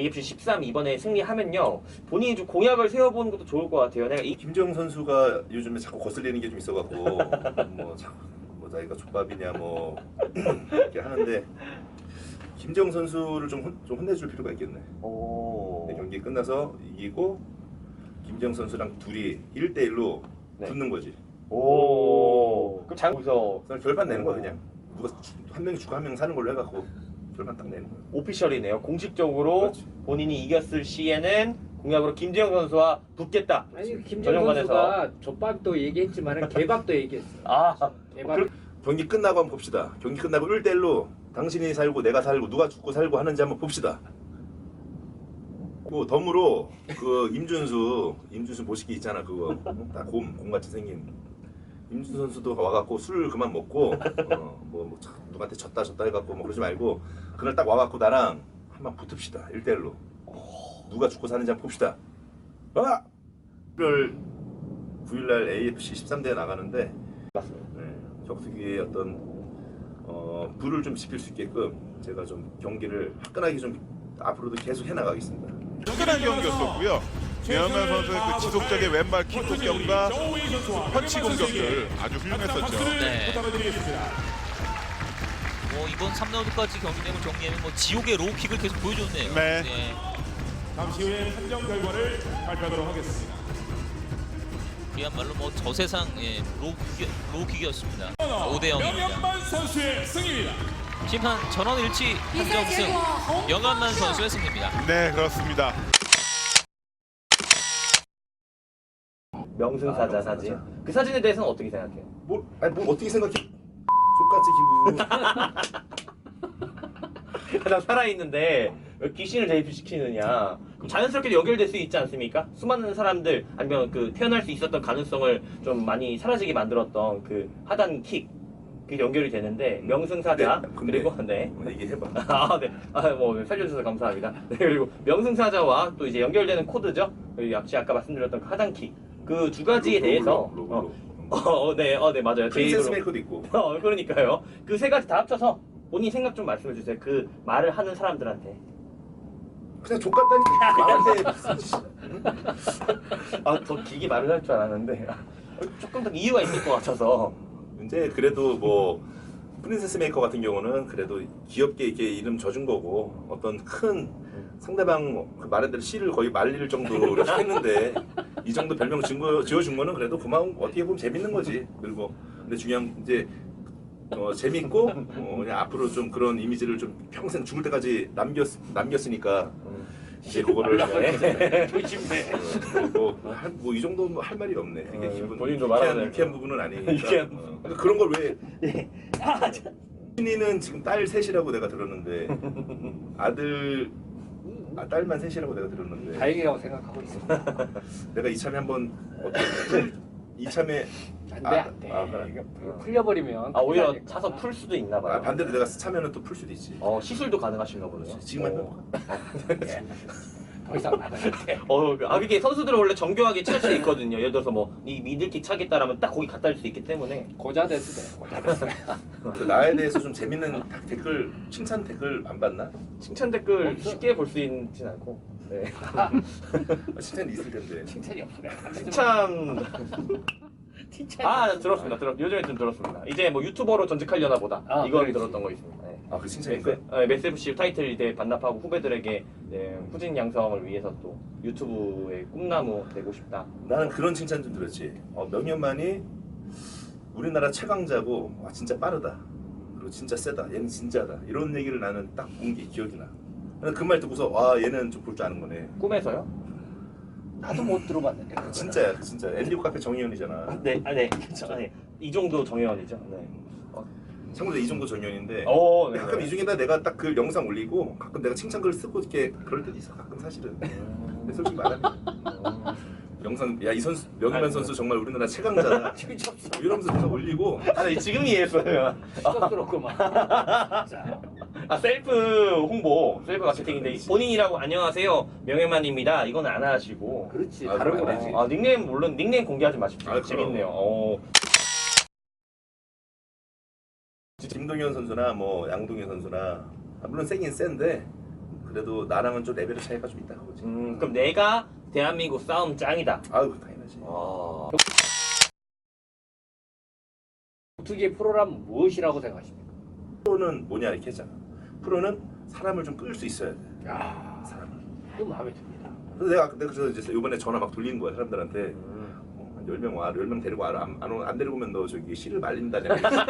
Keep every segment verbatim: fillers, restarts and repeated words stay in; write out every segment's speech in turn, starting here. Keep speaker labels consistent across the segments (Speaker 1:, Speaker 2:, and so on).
Speaker 1: 에이에프씨 십삼 이번에 승리하면요 본인이 좀 공약을 세워보는 것도 좋을 것 같아요. 내가 이
Speaker 2: 김정 선수가 요즘에 자꾸 거슬리는 게 좀 있어갖고 뭐, 자, 뭐 자기가 족밥이냐 뭐 이렇게 하는데 김정 선수를 좀, 혼, 좀 혼내줄 필요가 있겠네.
Speaker 1: 오.
Speaker 2: 네, 경기 끝나서 이기고 김정 선수랑 둘이 일 대 일로
Speaker 1: 네.
Speaker 2: 붙는 거지.
Speaker 1: 오. 그럼 장기서
Speaker 2: 결판 내는 거야 그냥. 누가 한 명이 죽고 한 명 사는 걸로 해갖고 결판 딱 내는 거야.
Speaker 1: 오피셜이네요. 공식적으로
Speaker 2: 그렇지.
Speaker 1: 본인이 이겼을 시에는 공약으로 김재영 선수와 붙겠다.
Speaker 3: 아니 김정 선수가 족밥도 얘기했지만 개밥도 얘기했어.
Speaker 1: 아,
Speaker 3: 개밥.
Speaker 1: 그,
Speaker 2: 경기 끝나고 한번 봅시다. 경기 끝나고 일 대 일로 당신이 살고 내가 살고 누가 죽고 살고 하는지 한번 봅시다. 그 덤으로 그 임준수 임준수 모시기 있잖아 그거 다 곰 곰같이 생긴 임준수 선수도 와갖고 술 그만 먹고 어, 뭐, 뭐 누구한테 졌다 졌다 해갖고 뭐 그러지 말고 그날 딱 와갖고 나랑 한번 붙읍시다. 일 대 일로 누가 죽고 사는지 한번 봅시다. 아! 일월 구일날 에이에프씨 십삼 대에 나가는데 네, 격투기의 어떤 어, 불을 좀 지필 수 있게끔 제가 좀 경기를 화끈하게 좀 앞으로도 계속 해나가겠습니다.
Speaker 4: 화끈한 경기였었고요. 배현만 선수의 그 지속적인 왼발 킥 공격과 펀치 공격들 아주 훌륭했었죠.
Speaker 5: 네. 뭐 이번 삼 라운드까지 경기 내용을 정리하면 뭐 지옥의 로우킥을 계속 보여줬네요.
Speaker 4: 네.
Speaker 5: 네.
Speaker 6: 잠시 후에 판정 결과를 발표하도록 하겠습니다.
Speaker 5: 그야말로 뭐 저세상 예, 로우킥, 로우킥이었습니다. 오 대 영입니다.
Speaker 6: 명현만 선수의 승리입니다.
Speaker 5: 심판 전원 일치 판정승 명현만 선수의 승리입니다.
Speaker 4: 네, 그렇습니다.
Speaker 1: 명승사자
Speaker 2: 아,
Speaker 1: 사진.
Speaker 2: 명승사자.
Speaker 1: 그 사진에 대해서는 어떻게 생각해요?
Speaker 2: 뭐, 아니 뭐 어떻게 생각해? 족같이 기분.
Speaker 1: 가장 살아있는데 왜 귀신을 대입시키느냐. 그럼 자연스럽게 연결될 수 있지 않습니까? 수많은 사람들 아니면 그 태어날 수 있었던 가능성을 좀 많이 사라지게 만들었던 그 하단 킥. 그게 연결이 되는데 명승사자
Speaker 2: 네, 근데
Speaker 1: 그리고 네.
Speaker 2: 뭐 얘기해봐.
Speaker 1: 아, 네. 아, 뭐 살려주셔서 감사합니다. 네, 그리고 명승사자와 또 이제 연결되는 코드죠. 그리고 역시 아까 말씀드렸던 그 하단킥 그 두 가지에
Speaker 2: 로,
Speaker 1: 대해서
Speaker 2: 로, 로, 로, 로.
Speaker 1: 어, 어, 네, 어, 네 맞아요. 제
Speaker 2: 프린세스
Speaker 1: 입으로.
Speaker 2: 메이커도 있고.
Speaker 1: 어, 그러니까요. 그 세 가지 다 합쳐서 본인 생각 좀 말씀해 주세요. 그 말을 하는 사람들한테.
Speaker 2: 그냥 족같다니까. 말한테.
Speaker 1: 아, 더 길게 말을 할 줄 알았는데 조금 더 이유가 있을 것 같아서.
Speaker 2: 이제 그래도 뭐 프린세스 메이커 같은 경우는 그래도 귀엽게 이렇게 이름 져준 거고 어떤 큰 상대방 그 말한 대로 씨를 거의 말릴 정도로 이렇게 했는데 이 정도 별명 지어, 지어준 거는 그래도 그만 어떻게 보면 재밌는 거지. 그리고 근데 중요한 이제 어, 재밌고 어, 그냥 앞으로 좀 그런 이미지를 좀 평생 죽을 때까지 남겼 남겼으니까 이제 그거를
Speaker 1: 조심해.
Speaker 2: 뭐이 정도 할 말이 없네. 되게
Speaker 1: 어,
Speaker 2: 기분
Speaker 1: 본인도
Speaker 2: 유쾌한,
Speaker 1: 말하는
Speaker 2: 유쾌한 부분은 아니니까.
Speaker 1: 유쾌한
Speaker 2: 어. 그러니까 그런 걸 왜? 신이는 지금 딸 셋이라고 내가 들었는데 아들 아, 딸만 셋이라고 내가 들었는데
Speaker 3: 다행이라고 생각하고 있어.
Speaker 2: 내가 이참에 한번 어떻게 이참에
Speaker 3: 안돼
Speaker 2: 아,
Speaker 3: 안돼.
Speaker 2: 아, 그래.
Speaker 3: 이거 풀려버리면.
Speaker 1: 아, 오히려
Speaker 3: 큰일 나니까.
Speaker 1: 차서 풀 수도 있나 봐요.
Speaker 2: 아, 반대로 내가 차면은 또 풀 수도 있지.
Speaker 1: 어, 시술도 가능하신가 보네요.
Speaker 2: 지금 하면
Speaker 1: 어.
Speaker 3: 더 이상 말안 돼.
Speaker 1: 어, 아, 그게 선수들은 원래 정교하게 칠 수 있거든요. 예를 들어서 뭐, 이 미들킥 차겠다라면 딱 거기 갖다 줄 수 있기 때문에.
Speaker 3: 고자 됐을 때. 고자 됐을 때.
Speaker 2: 그 나에 대해서 좀 재밌는 댓글 칭찬 댓글 안 봤나?
Speaker 1: 칭찬 댓글
Speaker 3: 없어.
Speaker 1: 쉽게 볼 수 있진 않고. 네.
Speaker 2: 아, 칭찬 있을 텐데.
Speaker 3: 칭찬이 없어.
Speaker 1: 칭찬.
Speaker 3: 칭찬.
Speaker 1: 아, 들었습니다. 들었, 요즘에 좀 들었습니다. 이제 뭐 유튜버로 전직하려나 보다.
Speaker 3: 아,
Speaker 1: 이건
Speaker 3: 그렇지.
Speaker 1: 들었던 거 있습니다. 네.
Speaker 2: 아, 그 칭찬이
Speaker 1: 메스, 네, 메스에프씨 타이틀 이제 반납하고 후배들에게 네, 후진 양성을 위해서 또 유튜브의 꿈나무 되고 싶다.
Speaker 2: 나는 그런 칭찬 좀 들었지. 어, 명현만이 우리나라 최강자고 와 진짜 빠르다. 그리고 진짜 세다. 얘는 진짜다. 이런 얘기를 나는 딱 본 게 기억이 나. 그 말 듣고서 와 얘는 좀 볼 줄 아는 거네.
Speaker 1: 꿈에서요?
Speaker 3: 나도 못 들어봤는데. 그거는.
Speaker 2: 진짜야, 진짜. 앤디오 카페 정의원이잖아.
Speaker 1: 네, 아, 네, 그렇죠. 네. 이 정도 정혜원이죠. 네.
Speaker 2: 참고로 이 정도 정의원인데.
Speaker 1: 오, 네.
Speaker 2: 가끔 이 중에다 내가 딱 그 영상 올리고 가끔 내가 칭찬글 쓰고 이렇게 그럴 때도 있어. 가끔 사실은. 근데 솔직히 말하면 영상 야 이 선수 명현만 선수 정말 우리나라 최강자다. 이러면서 내가 올리고.
Speaker 1: 아, 네, 지금 이해했어요.
Speaker 3: 시끄럽구만.
Speaker 1: 아, 셀프 홍보, 셀프 마케팅인데 본인이라고 안녕하세요 명예만입니다. 이건 안 하시고.
Speaker 3: 그렇지.
Speaker 2: 아,
Speaker 3: 다른
Speaker 2: 그럼
Speaker 3: 거
Speaker 2: 안
Speaker 3: 되지.
Speaker 2: 되지.
Speaker 1: 아, 닉네임 물론 닉네임 공개하지 마십시오.
Speaker 2: 아, 그럼.
Speaker 1: 재밌네요. 어.
Speaker 2: 김동현 선수나 뭐 양동현 선수나 아, 물론 세긴 센데 그 그래도 나랑은 좀 레벨의 차이가 좀 있다 그거지.
Speaker 1: 음, 그럼 내가 대한민국 싸움 짱이다.
Speaker 2: 아유 당연하지.
Speaker 1: 아.
Speaker 3: 격투기 프로라면 무엇이라고 생각하십니까?
Speaker 2: 프로는 뭐냐 이렇게 했잖아. 프로는 사람을 좀 끌 수 있어야 돼.
Speaker 3: 야,
Speaker 2: 사람을.
Speaker 3: 그 마음에 듭니다.
Speaker 2: 그래서 내가 내가 그래서 이제 이번에 전화 막 돌리는 거야 사람들한테.
Speaker 1: 음.
Speaker 2: 어, 한 열 명 와, 열 명 데리고 와라. 안, 안, 오- 안 데리고 오면 너 저기 씨를 말린다냐.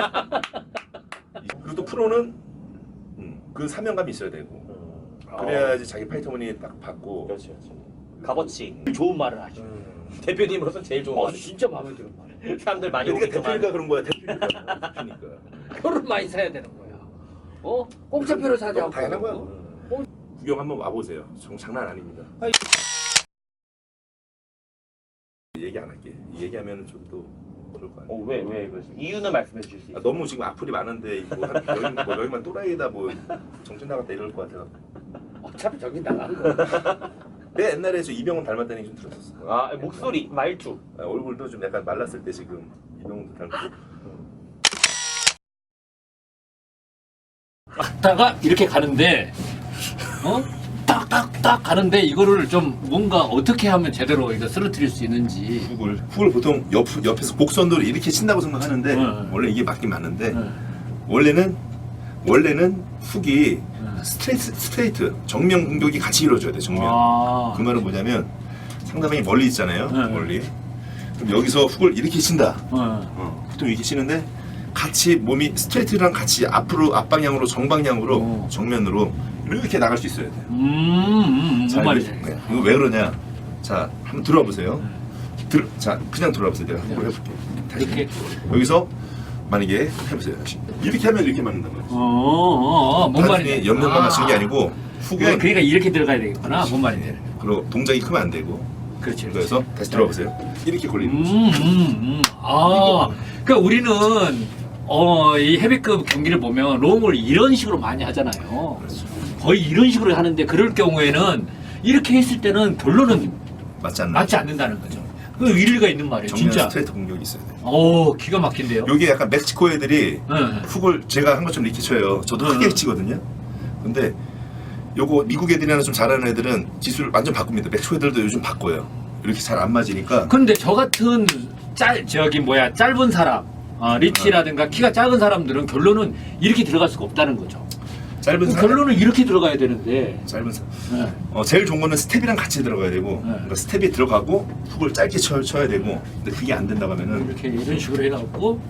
Speaker 2: 그리고 또 프로는 음, 그 사명감이 있어야 되고
Speaker 1: 음.
Speaker 2: 그래야지 자기 파이터머니 딱 받고.
Speaker 1: 그렇지, 그렇지. 값어치.
Speaker 3: 좋은 말을 하죠.
Speaker 1: 음. 대표님으로서 제일 좋은
Speaker 3: 어,
Speaker 1: 거.
Speaker 3: 진짜 마음에 드는 말.
Speaker 1: 사람들 많이
Speaker 2: 그러니까
Speaker 1: 오겠지만.
Speaker 2: 대표니까 그런 거야. 대표니까. 대표니까.
Speaker 3: 표를 많이 사야 되는 거야. 어? 공짜표를 사지
Speaker 2: 너무
Speaker 3: 않고.
Speaker 2: 당연한 거야.
Speaker 3: 어?
Speaker 2: 구경 한번 와보세요. 정 장난 아닙니다.
Speaker 3: 아이.
Speaker 2: 얘기 안 할게. 얘기하면 좀 또 그럴 거 아니야.
Speaker 1: 어, 왜, 왜 그러세요? 이유는 말씀해 주실 수
Speaker 2: 아,
Speaker 1: 있어요?
Speaker 2: 너무 지금 악플이 많은데 뭐 한 여기 뭐 여기만 또라이다 뭐 정신 나갔다 이럴 것 같아.
Speaker 3: 어차피 저기 나간 거.
Speaker 2: 내 옛날에 저 이병헌 닮았다는 얘기 좀 들었었어.
Speaker 1: 아, 목소리, 말투.
Speaker 2: 아, 얼굴도 좀 약간 말랐을 때 지금 이병헌도 닮고.
Speaker 7: 다가 이렇게 가는데 어? 딱딱딱 가는데 이거를 좀 뭔가 어떻게 하면 제대로 이거 쓰러뜨릴 수 있는지.
Speaker 2: 훅을 훅을 보통 옆 옆에서 곡선도를 이렇게 친다고 생각하는데
Speaker 7: 네.
Speaker 2: 원래 이게 맞긴 맞는데
Speaker 7: 네.
Speaker 2: 원래는 원래는 훅이
Speaker 7: 네.
Speaker 2: 스트레이트 스트레이트 정면 공격이 같이 이루어져야 돼 정면.
Speaker 7: 아.
Speaker 2: 그 말은 뭐냐면 상대방이 멀리 있잖아요.
Speaker 7: 네.
Speaker 2: 멀리. 그럼 여기서 훅을 이렇게 친다.
Speaker 7: 네.
Speaker 2: 어, 보통 이렇게 치는데 같이 몸이 스트레이트랑 같이 앞으로 앞방향으로 정방향으로
Speaker 7: 오.
Speaker 2: 정면으로 이렇게 나갈 수 있어야 돼.
Speaker 7: 음, 음,
Speaker 2: 자,
Speaker 7: 뭔 말인지
Speaker 2: 이거,
Speaker 7: 알겠어요.
Speaker 2: 이거 왜 그러냐? 자, 한번 들어와 보세요. 들, 자, 그냥 들어와 보세요. 내가 한번 해볼게. 다시.
Speaker 7: 이렇게.
Speaker 2: 여기서 만약에 해보세요. 다시. 이렇게 하면 이렇게 맞는단 말이야.
Speaker 7: 어, 어, 어, 뭔 말인지.
Speaker 2: 단순히 옆면만
Speaker 7: 아.
Speaker 2: 맞추는 게 아니고 훅은
Speaker 7: 그러니까, 그러니까 이렇게 들어가야 되겠구나. 뭔 말인지.
Speaker 2: 그리고 동작이 크면 안 되고.
Speaker 7: 그렇지.
Speaker 2: 그래서 다시 들어와 보세요. 이렇게 걸리는
Speaker 7: 음,
Speaker 2: 거죠.
Speaker 7: 음, 음. 아, 그러니까 우리는 어, 이 헤비급 경기를 보면 롱을 이런 식으로 많이 하잖아요.
Speaker 2: 그렇죠.
Speaker 7: 거의 이런 식으로 하는데 그럴 경우에는 이렇게 했을 때는 결론은
Speaker 2: 맞지 않나?
Speaker 7: 맞지 않는다는 거죠. 그 일리가 있는 말이에요.
Speaker 2: 정면
Speaker 7: 진짜.
Speaker 2: 스트레이트 공격이 있어야 돼.
Speaker 7: 오, 기가 막힌데요.
Speaker 2: 요게 약간 멕시코 애들이
Speaker 7: 네.
Speaker 2: 훅을 제가 한 것처럼 이렇게 쳐요. 저도
Speaker 7: 네.
Speaker 2: 크게 치거든요. 근데 요거 미국 애들이나 좀 잘하는 애들은 기술을 완전 바꿉니다. 멕시코 애들도 요즘 바꿔요. 이렇게 잘 안 맞으니까.
Speaker 7: 근데 저 같은 짤 저기 뭐야 짧은 사람, 어, 리치라든가 키가 작은 사람들은 결론은 이렇게 들어갈 수가 없다는 거죠.
Speaker 2: 짧은
Speaker 7: 그
Speaker 2: 사람,
Speaker 7: 결론은 이렇게 들어가야 되는데.
Speaker 2: 짧은 사
Speaker 7: 네.
Speaker 2: 어, 제일 좋은 거는 스텝이랑 같이 들어가야 되고,
Speaker 7: 네.
Speaker 2: 그러니까 스텝이 들어가고 훅을 짧게 쳐, 쳐야 되고, 근데 그게 안 된다고 하면은
Speaker 7: 이렇게 이런 식으로 해갖고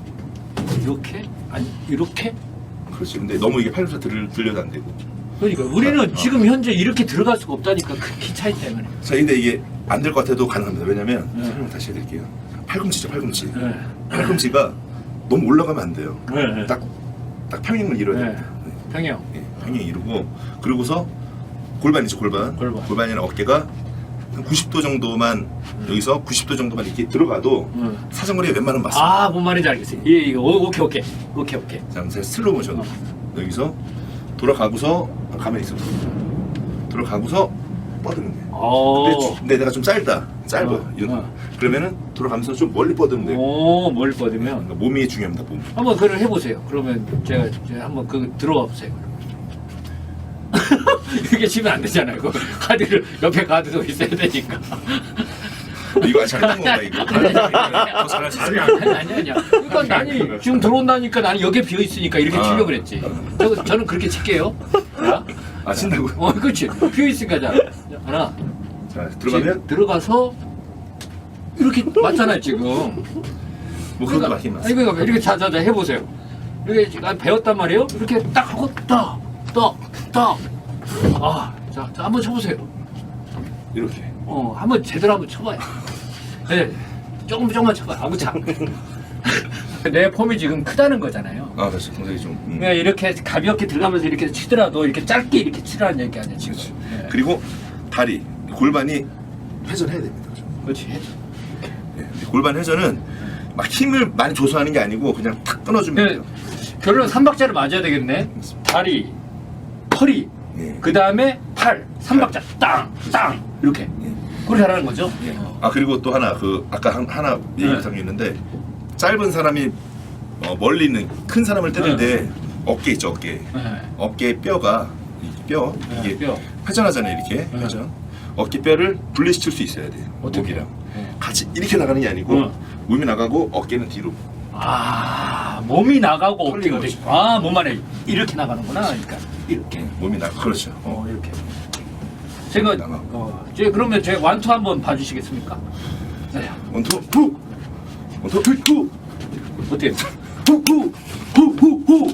Speaker 7: 이렇게 아니 이렇게.
Speaker 2: 그렇지. 근데 너무 이게 팔꿈치 들, 들려도 안 되고.
Speaker 7: 그러니까 우리는
Speaker 2: 어.
Speaker 7: 지금 현재 이렇게 들어갈 수가 없다니까 그 키 차이 때문에.
Speaker 2: 자, 근데 이게 안 될 것 같아도 가능합니다. 왜냐면
Speaker 7: 네.
Speaker 2: 설명 다시 해드릴게요. 팔꿈치죠, 팔꿈치.
Speaker 7: 네.
Speaker 2: 팔꿈치가 너무 올라가면 안 돼요.
Speaker 7: 네.
Speaker 2: 딱, 딱 평행을 이뤄야
Speaker 7: 네.
Speaker 2: 됩니다. 네.
Speaker 7: 평형.
Speaker 2: 예, 평행 이루고 그러고서 골반이죠, 골반.
Speaker 7: 골반.
Speaker 2: 골반이랑 어깨가 한 구십 도 정도만 여기서 구십 도 정도만 이렇게 들어가도
Speaker 7: 음.
Speaker 2: 사정거리가 웬만하면 맞습니다.
Speaker 7: 아, 뭔 말인지 알겠어요. 예, 이거 오, 오케이 오케이 오케이 오케이.
Speaker 2: 자, 제가 슬로우 모션 여기서 돌아가고서 가만히 있어. 돌아가고서 뻗으면 돼.
Speaker 7: 오.
Speaker 2: 근데, 주- 근데 내가 좀 짧다, 짧아.
Speaker 7: 어,
Speaker 2: 이런
Speaker 7: 어.
Speaker 2: 그러면은 돌아가면서 좀 멀리 뻗으면 돼.
Speaker 7: 오, 뭘 뻗으면.
Speaker 2: 그러니까 몸이 중요합니다, 몸.
Speaker 7: 한번 그걸 해보세요. 그러면 제가, 제가 한번 그 들어가 보세요. 이게 치면 안 되잖아요. 그 카드를 옆에 카드도 있어야 되니까.
Speaker 2: 이거 아직 안 건가 이거? 더 잘할 수 있어.
Speaker 7: 아니 아니 아니 아니야. 그러니까 나는 지금 들어온다니까 나는 여기에 비어 있으니까 이렇게
Speaker 2: 아.
Speaker 7: 치려고 그랬지. 저, 저는 그렇게 칠게요. 자,
Speaker 2: 아, 친다고?
Speaker 7: 어, 그렇지. 비어 있으니까 자 하나.
Speaker 2: 자, 들어가면
Speaker 7: 지금 들어가서 이렇게 맞잖아요 지금.
Speaker 2: 뭐 그것도 맞긴 맞어.
Speaker 7: 아니 그러니까 이렇게 자자자 해보세요. 이렇게 지금 배웠단 말이에요. 이렇게 딱 하고 딱, 딱, 딱. 아, 자, 자 한번 쳐보세요.
Speaker 2: 이렇게.
Speaker 7: 어, 한번 제대로 한번 쳐봐요. 네, 조금 조금만 쳐봐요. 아무 참. 내 폼이 지금 크다는 거잖아요.
Speaker 2: 아, 그렇지. 동작이 좀. 음.
Speaker 7: 그냥 이렇게 가볍게 들어가면서 이렇게 치더라도 이렇게 짧게 이렇게 치라는 얘기 아니야 지금.
Speaker 2: 그렇지.
Speaker 7: 네.
Speaker 2: 그리고 다리, 골반이 회전해야 됩니다. 그죠?
Speaker 7: 그렇지.
Speaker 2: 예, 골반 회전은 막 힘을 많이 조소하는 게 아니고 그냥 탁 끊어주면
Speaker 7: 그,
Speaker 2: 돼요.
Speaker 7: 결론 삼박자를 맞아야 되겠네. 다리, 허리,
Speaker 2: 예.
Speaker 7: 그 다음에 팔, 삼박자 땅, 땅 이렇게. 그렇게 하라는 거죠.
Speaker 2: 아, 그리고 또 하나 그 아까 한, 하나 얘기
Speaker 7: 네.
Speaker 2: 못한 게 있는데 짧은 사람이 어, 멀리 있는 큰 사람을 뜨는데 어깨 있죠, 어깨.
Speaker 7: 네.
Speaker 2: 어깨 뼈가 뼈 이게
Speaker 7: 뼈.
Speaker 2: 회전하잖아요 이렇게 회전. 어깨뼈를 분리시킬 수 있어야 돼요.
Speaker 7: 어떻게?
Speaker 2: 목이랑 같이 이렇게 나가는 게 아니고
Speaker 7: 응.
Speaker 2: 몸이 나가고 어깨는 뒤로.
Speaker 7: 아 몸이 나가고 어깨가
Speaker 2: 털리는
Speaker 7: 되고 아 몸 안에 이렇게 나가는구나. 그러니까 이렇게.
Speaker 2: 몸이 나 그렇죠.
Speaker 7: 어 이렇게. 제가
Speaker 2: 나가고.
Speaker 7: 어, 제 그러면 제 완투 한번 봐주시겠습니까? 네.
Speaker 2: 원투 후 원투 후
Speaker 7: 어떻게?
Speaker 2: 후후후후후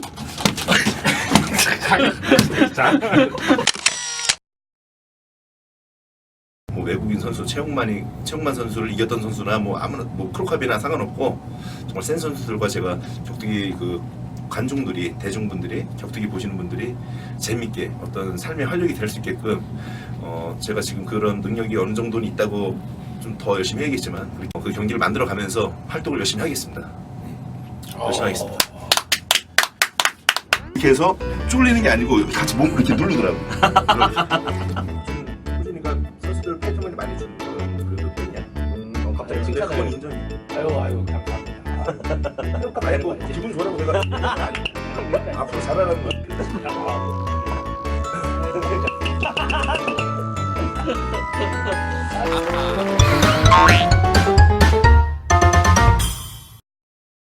Speaker 2: 뭐 외국인 선수 최홍만이 최홍만 선수를 이겼던 선수나 뭐 아무나 뭐 크로캅이나 상관없고 정말 센 선수들과 제가 격투기 그 관중들이 대중분들이 격투기 보시는 분들이 재밌게 어떤 삶의 활력이 될 수 있게끔 어 제가 지금 그런 능력이 어느 정도는 있다고 좀 더 열심히 해야겠지만 그 경기를 만들어 가면서 활동을 열심히 하겠습니다. 열심히 하겠습니다. 이렇게 해서 쫄리는 게 아니고 같이 몸을 이렇게 누르더라고. 그러니까 선수들 패턴을 많이 주는 그 편이야.
Speaker 1: 어, 갑자기
Speaker 2: 근데
Speaker 1: 칭찬을.
Speaker 2: 그건 인정이.
Speaker 7: 아유 아유 감사합니다.
Speaker 2: 평가 아니 뭐 기분 좋으라고 내가 앞으로 잘하라는 거야.